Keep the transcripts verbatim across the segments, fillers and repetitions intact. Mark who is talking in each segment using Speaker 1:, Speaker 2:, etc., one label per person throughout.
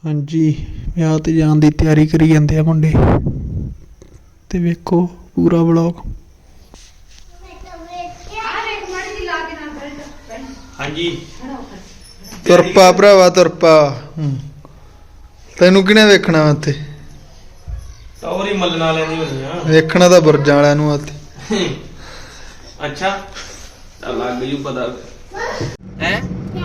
Speaker 1: हाँ जी विआह ते जान दी तैयारी करी जांदे आ मुंडे ते वेखो पूरा व्लॉग।
Speaker 2: हाँ जी
Speaker 1: तुरपा भरावा तुरपा तैनू किने वेखना उत्थे
Speaker 2: सौरी मल्लण वाले दी होनी आ
Speaker 1: वेखना तां बुरजां वालियां नूं उत्थे।
Speaker 2: अच्छा चल लग जू पता है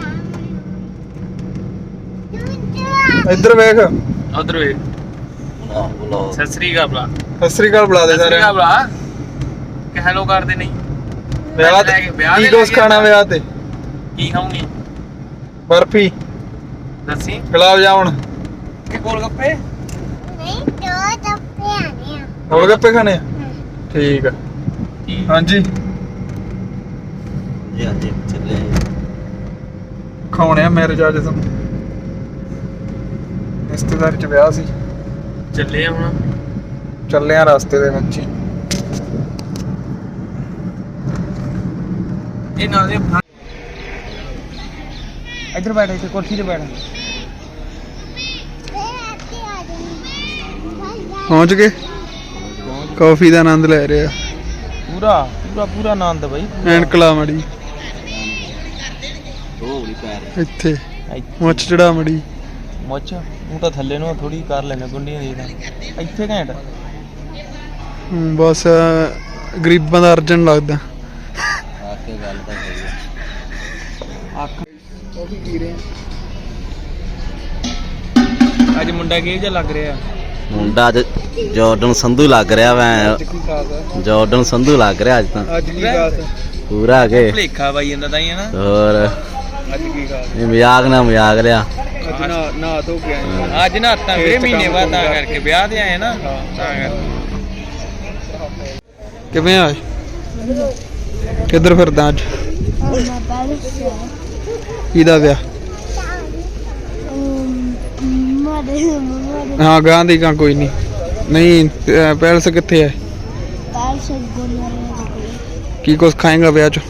Speaker 1: इधर वेख
Speaker 2: उधर वे सत श्री अकाल बुला
Speaker 1: सत श्री अकाल बुला दे
Speaker 2: सत श्री
Speaker 1: सारे
Speaker 2: अकाल बुला कि हेलो कर दे नहीं
Speaker 1: विआह ते की कुछ खाना विआह ते
Speaker 2: की खाऊंगी
Speaker 1: बर्फी
Speaker 2: दसी
Speaker 1: गुलाब जामुन
Speaker 2: कि गोलगप्पे
Speaker 3: नहीं दो डब्बे आने हैं
Speaker 1: गोलगप्पे खाने आ? ठीक है हाँ जी
Speaker 4: ਚੱਲੇ
Speaker 1: ਖਾਉਣੇ ਆ ਮੈਰਿਜ ਅੱਜ ਤੁਹਾਨੂੰ ਰਿਸ਼ਤੇਦਾਰੀ ਚ ਵਿਆਹ ਸੀ
Speaker 2: ਚੱਲੇ ਆ ਹੁਣ
Speaker 1: ਚੱਲੇ ਆ ਰਸਤੇ ਦੇ ਵਿੱਚ ਹੀ।
Speaker 2: ਇਹ ਨਾਲ ਦੇ ਇੱਧਰ ਬੈਠ ਇੱਥੇ ਕੁਰਸੀ ਤੇ ਬੈਠ
Speaker 1: ਪਹੁੰਚ ਗਏ ਕਾਫੀ ਦਾ ਆਨੰਦ ਲੈ ਰਹੇ ਆ
Speaker 2: ਪੂਰਾ ਪੂਰਾ ਪੂਰਾ ਆਨੰਦ ਬਈ
Speaker 1: ਐਨਕ ਲਾ ਮੜੀ
Speaker 4: ਦੋ ਬੜੀ ਪੈਰ
Speaker 1: ਇੱਥੇ ਮੁੱਛ ਚੜਾ ਮੜੀ
Speaker 2: ਮੁੱਛ ਉਹ ਤਾਂ ਥੱਲੇ ਨੂੰ ਥੋੜੀ ਕਰ ਲੈਣੇ ਗੁੰਡੀਆਂ ਦੀ ਤਾਂ ਇੱਥੇ ਘੈਂਟ
Speaker 1: ਹੂੰ, ਬਸ ਗਰੀਬਾਂ ਦਾ ਅਰਜਨ ਲੱਗਦਾ
Speaker 4: ਆ ਕੇ ਗੱਲ ਤਾਂ ਸਹੀ ਹੈ
Speaker 2: ਅੱਖ ਉਹ ਵੀ ਕੀ ਰਹੇ ਅੱਜ ਮੁੰਡਾ ਕਿਹੋ ਜਿਹਾ ਲੱਗ ਰਿਹਾ
Speaker 4: ਮੁੰਡਾ ਅੱਜ ਜਾਰਡਨ ਸੰਧੂ ਲੱਗ ਰਿਹਾ ਵੈ
Speaker 1: ਕੀ ਖਾਸ ਆ
Speaker 4: ਜਾਰਡਨ ਸੰਧੂ ਲੱਗ ਰਿਹਾ ਅੱਜ ਤਾਂ
Speaker 1: ਅੱਜ ਕੀ ਖਾਸ
Speaker 4: ਪੂਰਾ ਕੇ
Speaker 2: ਭਲੇਖਾ ਬਾਈ ਜਾਂਦਾ ਤਾਂ ਹੀ ਹੈ ਨਾ
Speaker 4: ਹੋਰ
Speaker 1: ਅੱਜ ਕੀ ਖਾਸ
Speaker 4: ਇਹ ਮਜ਼ਾਕ ਨਾ ਮਜ਼ਾਕ ਲਿਆ
Speaker 1: ਅੱਜ ਨਾ ਨਾ ਧੋ ਕੇ ਆਏ
Speaker 2: ਅੱਜ ਨਾ ਤਾਂ ਵੀਰੇ ਮਹੀਨੇ ਬਾਅਦ ਤਾਂ ਕਰਕੇ ਵਿਆਹ ਤੇ ਆਏ ਨਾ ਤਾਂ ਕਰਕੇ
Speaker 1: ਕਿਵੇਂ ਆ ਕਿੱਧਰ ਫਿਰਦਾ ਅੱਜ ਕਿਹਦਾ ਵਿਆਹ ਹਾਂ ਗਾਂ ਦੀ ਕਾਂ ਕੋਈ ਨਹੀਂ ਨਹੀਂ ਅਹ ਪੈਲਸ ਕਿੱਥੇ ਹੈ ਕੀ ਕੁਛ ਖਾਏਗਾ ਵਿਆਹ ਚ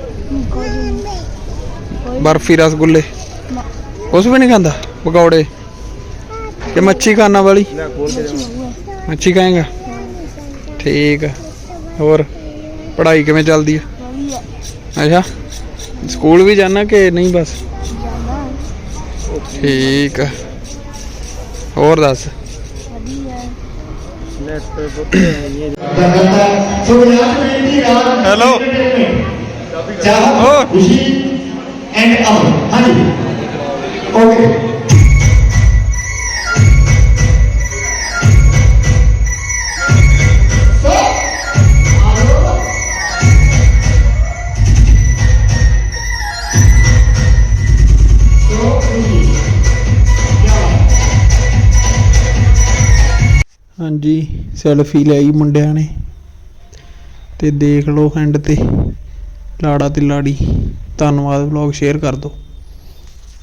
Speaker 1: ਬਰਫੀ ਰਸਗੁੱਲੇ ਕੁਛ ਵੀ ਨਹੀਂ ਖਾਂਦਾ ਪਕੌੜੇ ਕਿ ਮੱਛੀ ਖਾਣਾ ਵਾਲੀ ਮੱਛੀ ਖਾਏਗਾ ਠੀਕ ਹੈ ਹੋਰ ਪੜ੍ਹਾਈ ਕਿਵੇਂ ਚੱਲਦੀ ਹੈ ਅੱਛਾ ਸਕੂਲ ਵੀ ਜਾਣਾ ਕਿ ਨਹੀਂ ਬਸ ਠੀਕ ਹੈ ਹੋਰ ਦੱਸ हेलो खुशी एंड अमन हाँ जी ओके हाँ जी सैल्फी लाई मुंडिया ने ते देख लो एंड ते लाड़ा ते लाड़ी। धन्नवाद व्लॉग शेयर कर दो।